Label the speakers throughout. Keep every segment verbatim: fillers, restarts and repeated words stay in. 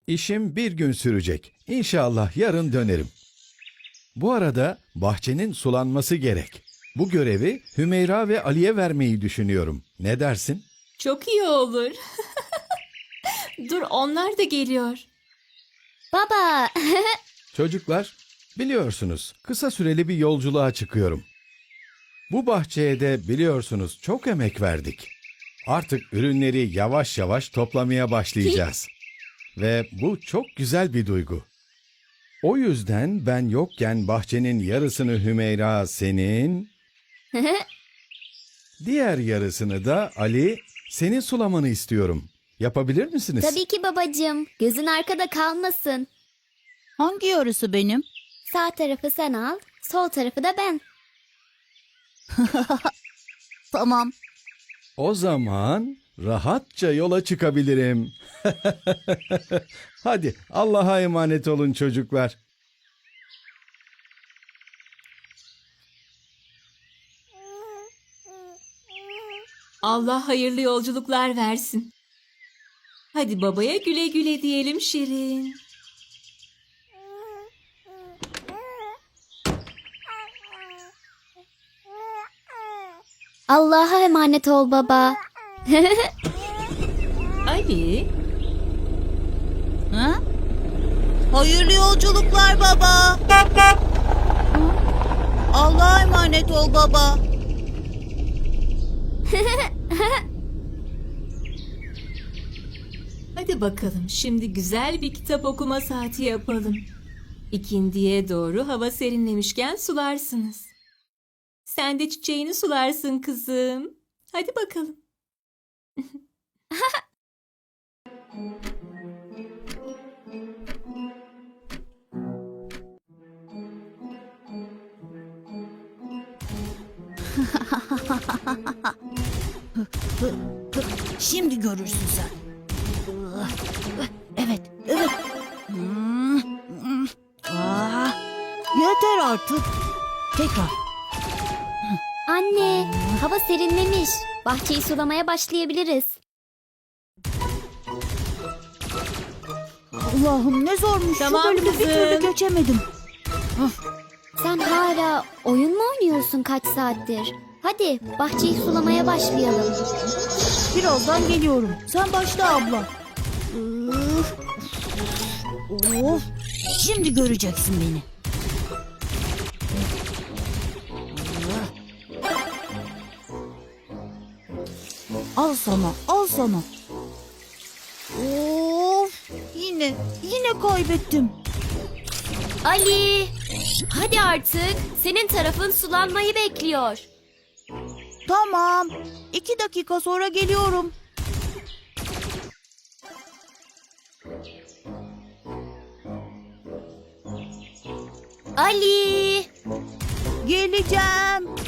Speaker 1: İşim bir gün sürecek. İnşallah yarın dönerim. Bu arada bahçenin sulanması gerek. Bu görevi Hümeyra ve Ali'ye vermeyi düşünüyorum. Ne dersin?
Speaker 2: Çok iyi olur. Dur, onlar da geliyor.
Speaker 3: Baba,
Speaker 1: Çocuklar, biliyorsunuz kısa süreli bir yolculuğa çıkıyorum. Bu bahçeye de biliyorsunuz çok emek verdik. Artık ürünleri yavaş yavaş toplamaya başlayacağız. Ve bu çok güzel bir duygu. O yüzden ben yokken bahçenin yarısını Hümeyra senin, diğer yarısını da Ali senin sulamanı istiyorum. Yapabilir misiniz?
Speaker 3: tabii ki babacığım. Gözün arkada kalmasın.
Speaker 4: Hangi yarısı benim?
Speaker 3: Sağ tarafı sen al, sol tarafı da ben.
Speaker 4: Tamam.
Speaker 1: O zaman rahatça yola çıkabilirim. Hadi Allah'a emanet olun çocuklar.
Speaker 2: Allah hayırlı yolculuklar versin. Hadi babaya güle güle diyelim Şirin.
Speaker 3: Allah'a emanet ol baba.
Speaker 2: Ali,
Speaker 4: Ha? Hayırlı yolculuklar baba. Hı? Allah'a emanet ol baba.
Speaker 2: hadi bakalım şimdi güzel bir kitap okuma saati yapalım. İkindiye doğru hava serinlemişken sularsınız. Sen de çiçeğini sularsın kızım. Hadi bakalım.
Speaker 4: Şimdi görürsün sen. Evet, evet. Aa, yeter artık. Tekrar.
Speaker 3: Anne, hava serinlemiş. Bahçeyi sulamaya başlayabiliriz.
Speaker 4: Allah'ım ne zormuş.
Speaker 2: Tamam
Speaker 4: Şu bölümü bir
Speaker 2: kızım.
Speaker 4: türlü geçemedim.
Speaker 3: Sen hala oyun mu oynuyorsun kaç saattir? Hadi bahçeyi sulamaya başlayalım.
Speaker 4: Birazdan geliyorum. Sen başla abla. Üf. Of. Şimdi göreceksin beni. Al sana, al sana. Of. Yine, yine kaybettim.
Speaker 3: Ali, hadi artık. Senin tarafın sulanmayı bekliyor.
Speaker 4: Tamam. İki dakika sonra geliyorum.
Speaker 3: Ali.
Speaker 4: Geleceğim.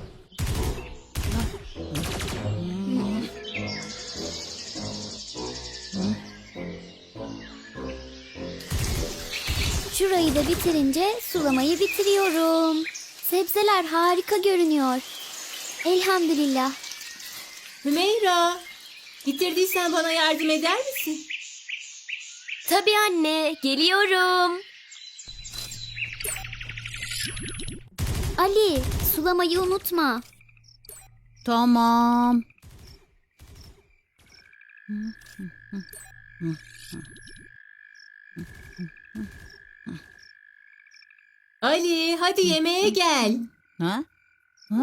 Speaker 3: Şurayı da bitirince sulamayı bitiriyorum. Sebzeler harika görünüyor. Elhamdülillah.
Speaker 2: Hümeyra, bitirdiysen bana yardım eder misin?
Speaker 3: Tabii anne, geliyorum. Ali, sulamayı unutma.
Speaker 4: Tamam.
Speaker 2: Ali, hadi yemeğe gel.
Speaker 4: Ha? Ha?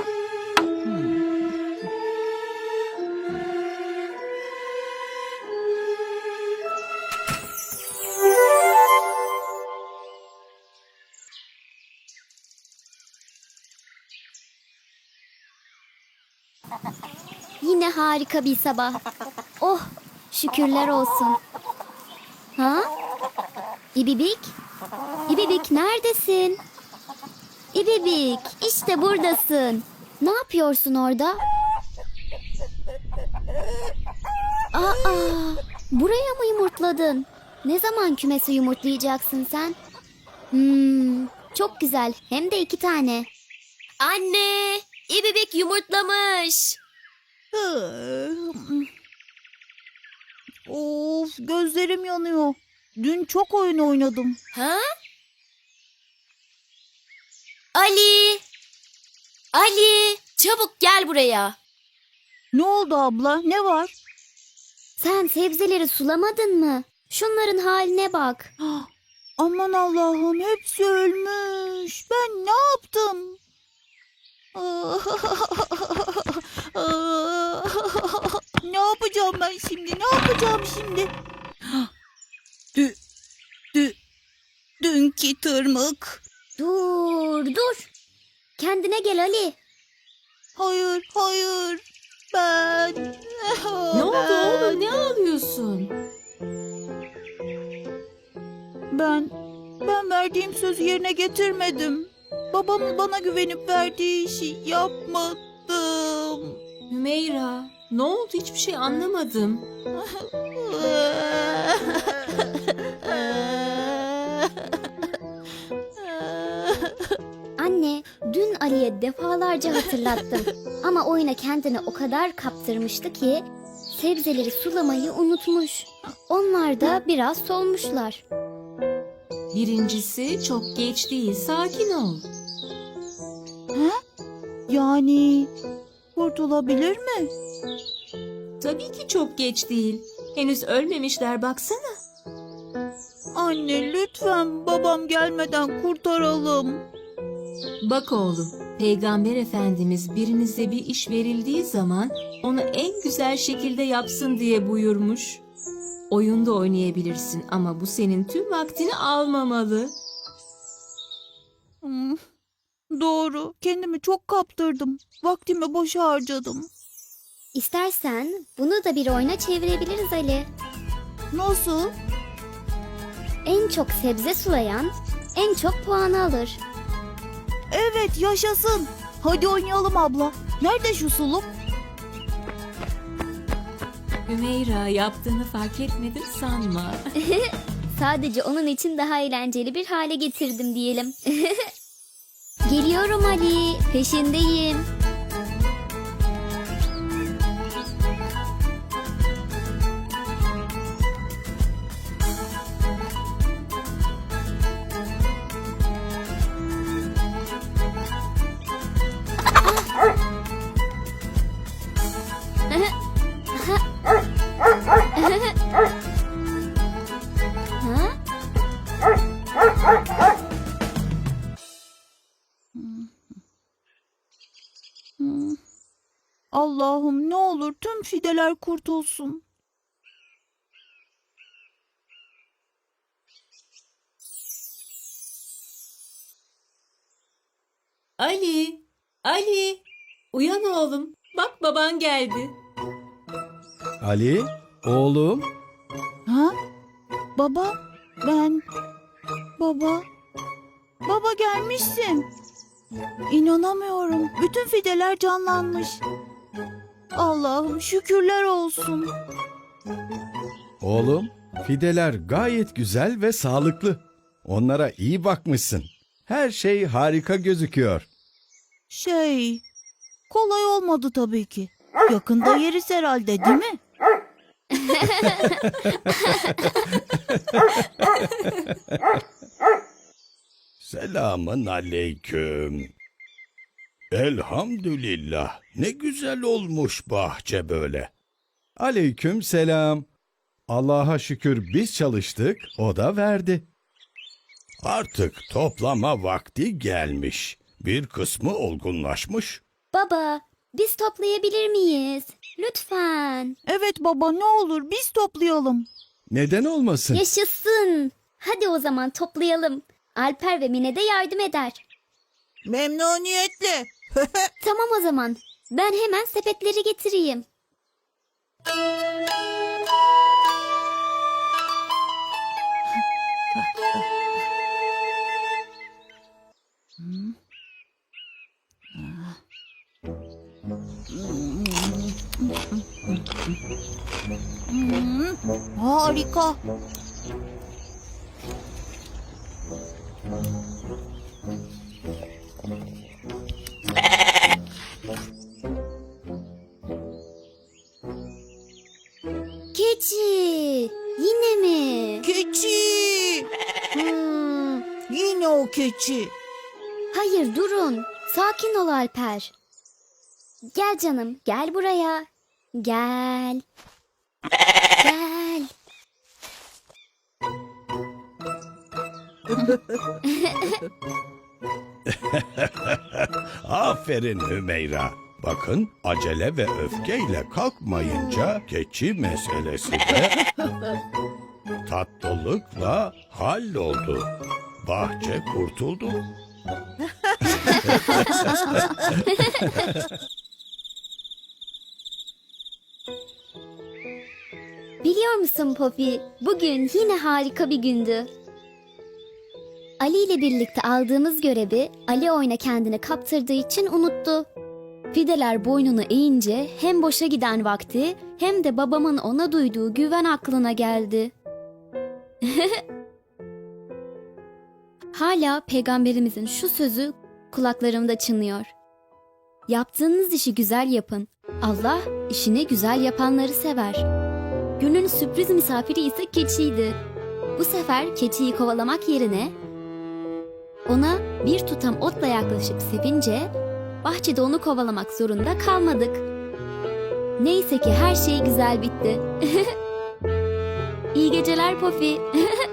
Speaker 3: Yine harika bir sabah. Oh, şükürler olsun. Ha? İbibik? İbibik neredesin? İbibik, işte buradasın. Ne yapıyorsun orada? Aa, buraya mı yumurtladın? Ne zaman kümesi yumurtlayacaksın sen? Hmm, çok güzel. Hem de iki tane. Anne, İbibik yumurtlamış.
Speaker 4: Of, gözlerim yanıyor. Dün çok oyun oynadım.
Speaker 3: Ha? Ali! Ali! Çabuk gel buraya.
Speaker 4: Ne oldu abla? Ne var?
Speaker 3: Sen sebzeleri sulamadın mı? Şunların haline bak.
Speaker 4: Aman Allah'ım, hepsi ölmüş. Ben ne yaptım? Ne yapacağım ben şimdi? Ne yapacağım şimdi? Dü, dü, dünkü tırmık.
Speaker 3: Dur, dur. Kendine gel Ali.
Speaker 4: Hayır, hayır. Ben...
Speaker 2: Ne oldu
Speaker 4: ben-
Speaker 2: oğlum? Ne ağlıyorsun?
Speaker 4: Ben, ben verdiğim sözü yerine getirmedim. Babamın bana güvenip verdiği işi yapmadım.
Speaker 2: Hümeyra, ne oldu? Hiçbir şey anlamadım.
Speaker 3: Anne, dün Ali'ye defalarca hatırlattım. Ama oyuna kendini o kadar kaptırmıştı ki sebzeleri sulamayı unutmuş. Onlar da biraz solmuşlar.
Speaker 2: Birincisi çok geç değil. Sakin ol.
Speaker 4: Yani kurtulabilir mi?
Speaker 2: Tabii ki çok geç değil. Henüz ölmemişler baksana.
Speaker 4: Anne lütfen babam gelmeden kurtaralım.
Speaker 2: Bak oğlum, Peygamber Efendimiz birinize bir iş verildiği zaman onu en güzel şekilde yapsın diye buyurmuş. Oyunda oynayabilirsin ama bu senin tüm vaktini almamalı.
Speaker 4: Hmm, doğru, kendimi çok kaptırdım. Vaktimi boşa harcadım.
Speaker 3: İstersen bunu da bir oyuna çevirebiliriz Ali.
Speaker 4: Nasıl?
Speaker 3: En çok sebze sulayan en çok puanı alır.
Speaker 4: Evet, yaşasın. Hadi oynayalım abla. Nerede şu suluk?
Speaker 2: Hümeyra, yaptığını fark etmedim sanma.
Speaker 3: Sadece onun için daha eğlenceli bir hale getirdim diyelim. Geliyorum Ali, peşindeyim. Ha?
Speaker 4: Hmm. Allah'ım ne olur tüm fideler kurtulsun.
Speaker 2: Ali, Ali, uyan oğlum. Bak baban geldi.
Speaker 1: Ali, oğlum,
Speaker 4: Ha? Baba, ben... Baba... Baba gelmişsin. İnanamıyorum. Bütün fideler canlanmış. Allah'ım şükürler olsun.
Speaker 1: oğlum. Fideler gayet güzel ve sağlıklı. Onlara iyi bakmışsın. Her şey harika gözüküyor.
Speaker 4: Şey... Kolay olmadı tabii ki. Yakında yeriz herhalde değil mi?
Speaker 1: Selamın aleyküm. Elhamdülillah. Ne güzel olmuş bahçe böyle. Aleyküm selam. Allah'a şükür biz çalıştık, o da verdi. Artık toplama vakti gelmiş. Bir kısmı olgunlaşmış.
Speaker 3: Baba, biz toplayabilir miyiz? Lütfen.
Speaker 4: Evet baba ne olur biz toplayalım.
Speaker 1: Neden olmasın?
Speaker 3: Yaşasın. Hadi o zaman toplayalım. Alper ve Mine de yardım eder.
Speaker 4: Memnuniyetle.
Speaker 3: Tamam o zaman. Ben hemen sepetleri getireyim.
Speaker 4: Hmm, harika.
Speaker 3: Keçi. Yine mi?
Speaker 4: Keçi. Hmm, yine o keçi.
Speaker 3: Hayır durun. Sakin ol Alper. Gel canım, gel buraya. Gel. Gel.
Speaker 1: Aferin Hümeyra. Bakın acele ve öfkeyle kalkmayınca keçi meselesi de tatlılıkla halloldu. Bahçe kurtuldu.
Speaker 3: Biliyor musun Poppy, bugün yine harika bir gündü. Ali ile birlikte aldığımız görevi Ali oyuna kendini kaptırdığı için unuttu. Fideler boynunu eğince hem boşa giden vakti hem de babamın ona duyduğu güven aklına geldi. Hala peygamberimizin şu sözü kulaklarımda çınlıyor. Yaptığınız işi güzel yapın. Allah işini güzel yapanları sever. Günün sürpriz misafiri ise keçiydi. Bu sefer keçiyi kovalamak yerine ona bir tutam otla yaklaşıp sevince bahçede onu kovalamak zorunda kalmadık. Neyse ki her şey güzel bitti. İyi geceler Poppy.